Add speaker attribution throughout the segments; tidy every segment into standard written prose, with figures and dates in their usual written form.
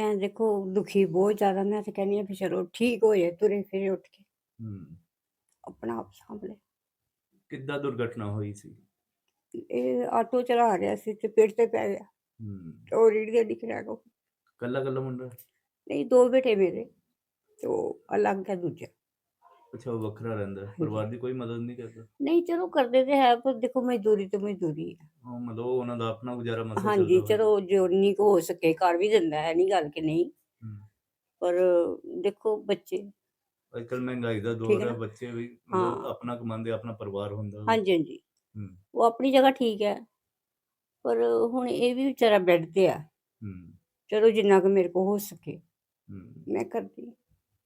Speaker 1: ਮੈਂ ਦੇਖੋ ਦੁਖੀ ਬਹੁਤ ਜ਼ਿਆਦਾ, ਮੈਂ ਤਾਂ ਕਹਿੰਦੀ ਹਾਂ ਵੀ ਚਲੋ ਠੀਕ ਹੋ ਜਾਏ, ਤੁਰੇ ਫਿਰੇ ਉੱਠ ਕੇ
Speaker 2: ਹੂੰ।
Speaker 1: ਆਪਣਾ ਆਪ ਸਾਂਭ ਲੈ।
Speaker 2: ਕਿੱਦਾਂ ਦੁਰਘਟਨਾ ਹੋਈ ਸੀ?
Speaker 1: ਇਹ ਆਟੋ ਚਲਾ ਰਿਹਾ ਸੀ ਤੇ ਪੇੜ ਤੇ ਪੈ ਗਿਆ,
Speaker 2: ਹੂੰ।
Speaker 1: ਤੇ ਉਹ ਰੀੜ ਦੇ ਡਿੱਗ ਰਿਹਾ ਕੋ।
Speaker 2: ਕੱਲਾ ਮੁੰਡਾ?
Speaker 1: ਨਹੀਂ, ਦੋ ਬੇਟੇ ਮੇਰੇ, ਤੇ ਉਹ ਅਲੱਗ ਹੈ ਦੂਜਾ।
Speaker 2: ਅੱਛਾ, ਉਹ ਵੱਖਰਾ ਰਹਿੰਦਾ ਹੈ।
Speaker 1: ਹਾਂਜੀ।
Speaker 2: ਪਰਿਵਾਰ ਦੀ ਕੋਈ ਮਦਦ ਨਹੀਂ ਕਰਦਾ?
Speaker 1: ਨਹੀਂ ਚਲੋ ਕਰਦੇ ਤੇ ਹੈ, ਪਰ ਦੇਖੋ ਮਜ਼ਦੂਰੀ ਤੇ ਮਜ਼ਦੂਰੀ ਹੈ।
Speaker 2: ਹਾਂ, ਮਤਲਬ ਉਹ ਉਹਨਾਂ ਦਾ ਆਪਣਾ ਗੁਜ਼ਾਰਾ ਮਸਾਂ
Speaker 1: ਹਾਂਜੀ,
Speaker 2: ਚੱਲਦਾ ਹੋਏਗਾ।
Speaker 1: ਚਲੋ ਜਿੰਨੀ ਕੁ ਹੋ ਸਕੇ ਕਰ ਵੀ ਦਿੰਦਾ ਹੈ, ਨਹੀਂ ਗੱਲ ਕਿ ਨਹੀਂ,
Speaker 2: ਹੂੰ।
Speaker 1: ਪਰ ਦੇਖੋ ਬੱਚੇ,
Speaker 2: ਅੱਜ ਕੱਲ੍ਹ ਮਹਿੰਗਾਈ ਦਾ
Speaker 1: ਠੀਕ
Speaker 2: ਦੌਰ
Speaker 1: ਹੈ
Speaker 2: ਹੈ,
Speaker 1: ਨਾ।
Speaker 2: ਬੱਚੇ ਵੀ ਮਤਲਬ
Speaker 1: ਹਾਂ,
Speaker 2: ਆਪਣਾ ਕਮਾਉਂਦੇ, ਆਪਣਾ ਪਰਿਵਾਰ ਹੁੰਦਾ ਵਾ।
Speaker 1: ਹਾਂਜੀ ਹਾਂਜੀ,
Speaker 2: ਹੂੰ।
Speaker 1: ਉਹ ਆਪਣੀ ਜਗ੍ਹਾ ਠੀਕ ਹੈ, ਪਰ ਹੁਣ ਇਹ ਵੀ ਵਿਚਾਰਾ ਬੈੱਡ ਤੇ ਆ।
Speaker 2: ਹੂੰ।
Speaker 1: ਚਲੋ ਜਿੰਨਾ ਕੁ ਮੇਰੇ ਕੋਲ ਹੋ ਸਕੇ
Speaker 2: ਹੂੰ।
Speaker 1: ਮੈਂ ਕਰਦੀ ਹਾਂ।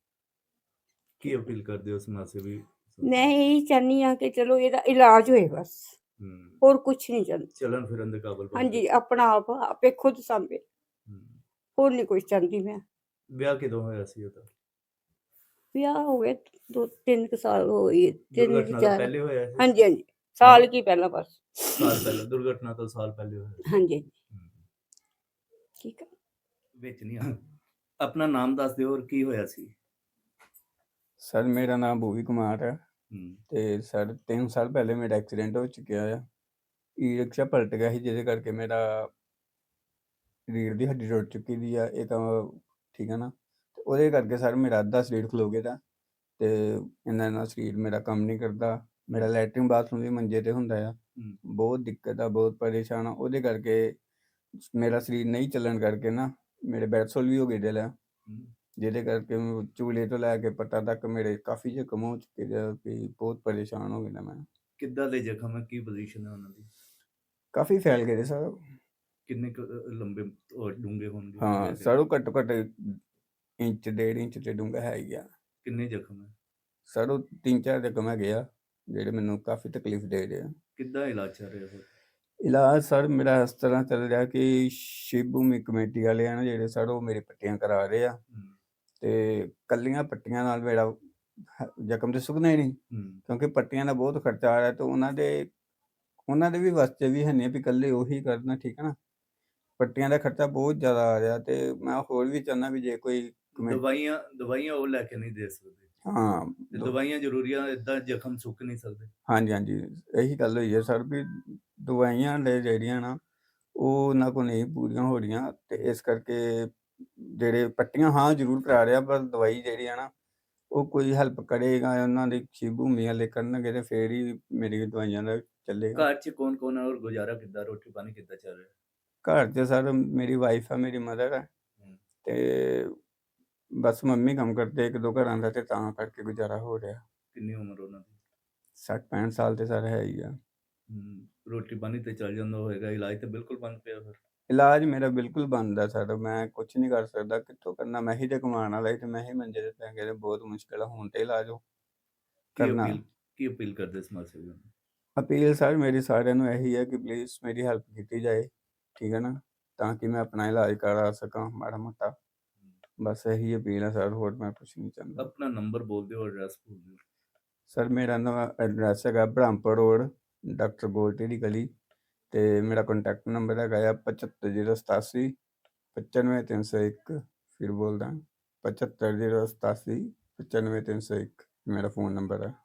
Speaker 2: ਕੀ ਅਪੀਲ ਕਰਦੇ ਹੋ ਸਮਾਜ ਸੇਵੀ?
Speaker 1: ਮੈਂ ਇਹੀ ਚਾਹੁੰਦੀ ਹਾਂ ਕਿ ਚਲੋ ਇਹਦਾ ਇਲਾਜ ਹੋਏ ਬਸ,
Speaker 2: ਹੂੰ।
Speaker 1: ਹੋਰ ਕੁਛ ਨਹੀਂ ਚਾਹੁੰਦੀ।
Speaker 2: ਚਲਣ ਫਿਰਨ ਦੇ ਕਾਬਲ ਬਣ
Speaker 1: ਹਾਂਜੀ,
Speaker 2: ਜਾਏ।
Speaker 1: ਆਪਣਾ ਆਪ ਆਪੇ ਖੁਦ ਸਾਂਭੇ,
Speaker 2: ਹੂੰ।
Speaker 1: ਹੋਰ ਨਹੀਂ ਕੁਛ ਚਾਹੁੰਦੀ ਮੈਂ।
Speaker 2: ਵਿਆਹ ਕਿਦੋਂ ਹੋਇਆ ਸੀ ਉਹਦਾ?
Speaker 1: ਵਿਆਹ ਹੋ ਗਏ 2-3 ਸਾਲ ਹੋ ਗਏ, 3
Speaker 2: ਦੁਰਘਟਨਾ ਤੋਂ
Speaker 1: 4।
Speaker 2: ਪਹਿਲੇ ਹੋਇਆ ਸੀ?
Speaker 1: ਹਾਂਜੀ ਹਾਂਜੀ,
Speaker 2: ਹੈਂ?
Speaker 1: ਸਾਲ ਕੀ ਪਹਿਲਾਂ ਬਸ।
Speaker 2: ਸਾਲ ਪਹਿਲਾਂ, ਦੁਰਘਟਨਾ ਤੋਂ ਸਾਲ ਪਹਿਲੇ ਹੋਇਆ ਸੀ।
Speaker 1: ਹਾਂਜੀ ਹਾਂਜੀ,
Speaker 2: ਹੂੰ।
Speaker 1: ਠੀਕ ਹੈ।
Speaker 2: ਵਿੱਚ ਨਹੀਂ ਆ। ਆਪਣਾ ਨਾਮ ਦੱਸ ਦਿਓ, ਔਰ ਕੀ ਹੋਇਆ ਸੀ?
Speaker 3: ਸਰ ਮੇਰਾ ਨਾਮ ਭੂਵੀ ਕੁਮਾਰ ਹੈ
Speaker 2: ਹੂੰ।
Speaker 3: ਤੇ ਸਰ 3 ਸਾਲ ਪਹਿਲੇ ਮੇਰਾ ਐਕਸੀਡੈਂਟ ਹੋ ਚੁੱਕਿਆ ਆ। ਈ ਰਿਕਸ਼ਾ ਪਲਟ ਗਿਆ ਸੀ, ਜਿਹਦੇ ਕਰਕੇ ਮੇਰਾ ਰੀੜ੍ਹ ਦੀ ਹੱਡੀ ਟੁੱਟ ਚੁੱਕੀ ਦੀ ਆ। ਇਹ ਤਾਂ ਠੀਕ ਹੈ ਨਾ, ਤੇ ਉਹਦੇ ਕਰਕੇ ਸਰ ਮੇਰਾ ਅੱਧਾ ਸਰੀਰ ਖਲੋ ਗਿਆ ਦਾ, ਤੇ ਇਹਨਾਂ ਨਾਲ ਸਰੀਰ ਮੇਰਾ ਕੰਮ ਨਹੀਂ ਕਰਦਾ। ਮੇਰਾ ਲੈਟਰਿਨ ਬਾਥਰੂਮ ਵੀ ਮੰਜੇ ਤੇ ਹੁੰਦਾ ਆ।
Speaker 2: ਹੂੰ।
Speaker 3: ਬਹੁਤ ਦਿੱਕਤ ਆ, ਬਹੁਤ ਪਰੇਸ਼ਾਨ ਆ। ਉਹਦੇ ਕਰਕੇ ਮੇਰਾ ਸਰੀਰ ਨਹੀਂ ਚੱਲਣ ਕਰਕੇ ਨਾ ਮੇਰੇ ਬੈਡਸੋਲ ਵੀ ਹੋ ਗਏ ਦਿਲ ਆ,
Speaker 2: ਹੂੰ।
Speaker 3: ਜਿਹਦੇ ਕਰਕੇ ਚੂਲੇ ਤੋਂ ਲੈ ਕੇ ਪੱਟਾਂ ਤੱਕ ਮੇਰੇ ਕਾਫੀ ਜ਼ਖਮ ਹੋ ਚੁੱਕੇ ਦੇ ਆ, ਵੀ ਬਹੁਤ ਪਰੇਸ਼ਾਨ ਹੋ ਗਿਆ ਮੈਂ।
Speaker 2: ਕਿੱਦਾਂ ਦੇ ਜ਼ਖਮ ਹੈ? ਕੀ ਪੋਜੀਸ਼ਨ ਹੈ ਉਹਨਾਂ ਦੀ?
Speaker 3: ਕਾਫੀ ਫੈਲ ਗਏ ਸਰ।
Speaker 2: ਕਿੰਨੇ ਕੁ ਲੰਬੇ ਔਰ ਡੂੰਘੇ ਹੋਣਗੇ
Speaker 3: ਹਾਂ
Speaker 2: ਵੈਸੇ?
Speaker 3: ਸਰ, ਉਹ ਘੱਟੋ ਘੱਟ ਇੰਚ 1.5 ਇੰਚ ਤੇ ਡੂੰਘਾ ਹੈ ਹੀ ਆ।
Speaker 2: ਕਿੰਨੇ ਜ਼ਖਮ ਹੈ?
Speaker 3: ਸਰ ਉਹ 3-4 ਜ਼ਖਮ ਹੈਗੇ ਆ, ਜਿਹੜੇ ਮੈਨੂੰ ਕਾਫੀ ਤਕਲੀਫ ਦੇ ਰਹੇ ਆ।
Speaker 2: ਕਿੱਦਾਂ ਇਲਾਜ ਚੱਲ ਰਿਹਾ ਹੋਰ?
Speaker 3: ਇਲਾਜ ਸਰ ਮੇਰਾ ਇਸ ਤਰ੍ਹਾਂ ਚੱਲ ਰਿਹਾ ਕਿ ਸ਼ਿਵ ਭੂਮੀ ਕਮੇਟੀ ਵਾਲੇ ਆ ਨਾ ਜਿਹੜੇ ਸਰ, ਉਹ ਮੇਰੇ ਪੱਟੀਆਂ ਕਰਾ ਰਹੇ ਆ,
Speaker 2: ਹੂੰ।
Speaker 3: ਤੇ ਕੱਲੀਆਂ ਪੱਟੀਆਂ ਨਾਲ ਮੇਰਾ ਜ਼ਖਮ ਤੇ ਸੁੱਕਣਾ ਹੀ ਨਹੀਂ,
Speaker 2: ਹੂੰ।
Speaker 3: ਕਿਉਂਕਿ ਪੱਟੀਆਂ ਦਾ ਬਹੁਤ ਖਰਚਾ ਆ ਰਿਹਾ, ਤੇ ਉਹਨਾਂ ਦੇ ਵੀ ਵਾਸਤੇ ਵੀ ਹੈ ਨਹੀਂ ਵੀ ਇਕੱਲੇ ਉਹੀ ਕਰਨਾ, ਠੀਕ ਹੈ ਨਾ। ਪੱਟੀਆਂ ਦਾ ਖਰਚਾ ਬਹੁਤ ਜ਼ਿਆਦਾ ਆ ਰਿਹਾ, ਤੇ ਮੈਂ ਹੋਰ ਵੀ ਚਾਹੁੰਦਾ ਵੀ ਜੇ ਕੋਈ
Speaker 2: ਦਵਾਈਆਂ ਉਹ ਲੈ ਕੇ ਨਹੀਂ ਦੇ ਸਕਦੇ।
Speaker 3: ਹਾਂ
Speaker 2: ਤੇ ਦਵਾਈਆਂ ਜ਼ਰੂਰੀਆਂ, ਏਦਾਂ ਜ਼ਖਮ ਸੁੱਕ ਨਹੀਂ ਸਕਦੇ।
Speaker 3: ਹਾਂਜੀ ਹਾਂਜੀ, ਇਹੀ ਗੱਲ ਹੋਈ ਹੈ ਸਰ, ਵੀ ਦਵਾਈਆਂ ਲੈ ਜਿਹੜੀਆਂ ਨਾ ਉਹ ਉਹਨਾਂ ਕੋਲ ਨਹੀਂ ਪੂਰੀਆਂ ਹੋ ਰਹੀਆਂ, ਤੇ ਇਸ ਕਰਕੇ ਜਿਹੜੇ ਪੱਟੀਆਂ ਹਾਂ ਜ਼ਰੂਰ ਕਰਾ ਰਿਹਾ, ਪਰ ਦਵਾਈ ਜਿਹੜੀ ਆ ਨਾ ਉਹ ਕੋਈ ਹੈਲਪ ਕਰੇਗਾ, ਉਹਨਾਂ ਦੀ ਸ਼ਿਵ ਭੂਮੀ ਵਾਲੇ ਕਰਨਗੇ ਤੇ ਫੇਰ ਹੀ ਮੇਰੀ ਦਵਾਈਆਂ ਦਾ ਚੱਲੇਗਾ।
Speaker 2: ਘਰ 'ਚ ਕੌਣ ਕੌਣ ਹੈ, ਔਰ ਗੁਜ਼ਾਰਾ ਕਿੱਦਾਂ, ਰੋਟੀ ਪਾਣੀ ਕਿੱਦਾਂ ਚੱਲ ਰਿਹਾ?
Speaker 3: ਘਰ 'ਚ ਸਰ ਮੇਰੀ ਵਾਈਫ ਆ, ਮੇਰੀ ਮਦਰ ਹੈ,
Speaker 2: ਹੂੰ।
Speaker 3: ਤੇ ਬਸ ਮੰਮੀ ਕੰਮ ਕਰਦੇ 1-2 ਘਰਾਂ ਦਾ, ਤੇ ਤਾਂ ਕਰਕੇ ਗੁਜ਼ਾਰਾ ਹੋ ਰਿਹਾ।
Speaker 2: ਕਿੰਨੀ ਉਮਰ ਉਹਨਾਂ ਦੀ?
Speaker 3: 60-65 ਸਾਲ ਤੇ ਸਰ ਹੈ ਹੀ ਆ।
Speaker 2: ਹੂੰ। ਰੋਟੀ ਪਾਣੀ ਤੇ ਚੱਲ ਜਾਂਦਾ ਹੋਏਗਾ, ਇਲਾਜ ਤੇ ਬਿਲਕੁਲ ਬੰਦ ਪਿਆ ਫਿਰ?
Speaker 3: ਇਲਾਜ ਮੇਰਾ ਬਿਲਕੁਲ ਬੰਦ ਆ ਸਰ, ਮੈਂ ਕੁਛ ਨਹੀਂ ਕਰ ਸਕਦਾ। ਕਿੱਥੋਂ ਕਰਨਾ? ਮੈਂ ਹੀ ਤੇ ਕਮਾਉਣ ਵਾਲਾ ਸੀ, ਤੇ ਮੈਂ ਹੀ ਮੰਜੇ ਤੇ ਪੈ ਗਿਆ, ਤੇ ਬਹੁਤ ਮੁਸ਼ਕਿਲ ਆ ਹੁਣ ਤੇ ਇਲਾਜ
Speaker 2: ਕੀ
Speaker 3: ਕਰਨਾ।
Speaker 2: ਅਪੀਲ ਕਰਦੇ ਸਮਾਜ ਸੇਵੀਆਂ ਨੂੰ?
Speaker 3: ਅਪੀਲ ਸਰ ਮੇਰੀ ਸਾਰਿਆਂ ਨੂੰ ਇਹੀ ਹੈ ਕਿ ਪਲੀਜ਼ ਮੇਰੀ ਹੈਲਪ ਕੀਤੀ ਜਾਏ, ਠੀਕ ਹੈ ਨਾ, ਤਾਂ ਕਿ ਮੈਂ ਆਪਣਾ ਇਲਾਜ ਕਰਾ ਸਕਾਂ ਮਾੜਾ ਮੋਟਾ। ਬਸ ਇਹੀ ਅਪੀਲ ਹੈ ਸਰ, ਹੋਰ ਮੈਂ ਕੁਛ ਨਹੀਂ ਚਾਹੁੰਦਾ।
Speaker 2: ਆਪਣਾ ਨੰਬਰ ਬੋਲ ਦਿਓ, ਐਡਰੈਸ ਬੋਲ ਦਿਓ।
Speaker 3: ਸਰ ਮੇਰਾ ਨਵਾਂ ਐਡਰੈਸ ਹੈਗਾ ਬ੍ਰਹਮਪੁਰ ਰੋਡ, ਡਾਕਟਰ ਗੋਲਟੀ ਦੀ ਗਲੀ, ਤੇ ਮੇਰਾ ਕੰਟੈਕਟ ਨੰਬਰ ਹੈਗਾ ਆ 75087 95301। ਫਿਰ ਬੋਲਦਾ 75087 95301 ਮੇਰਾ ਫ਼ੋਨ ਨੰਬਰ ਹੈ।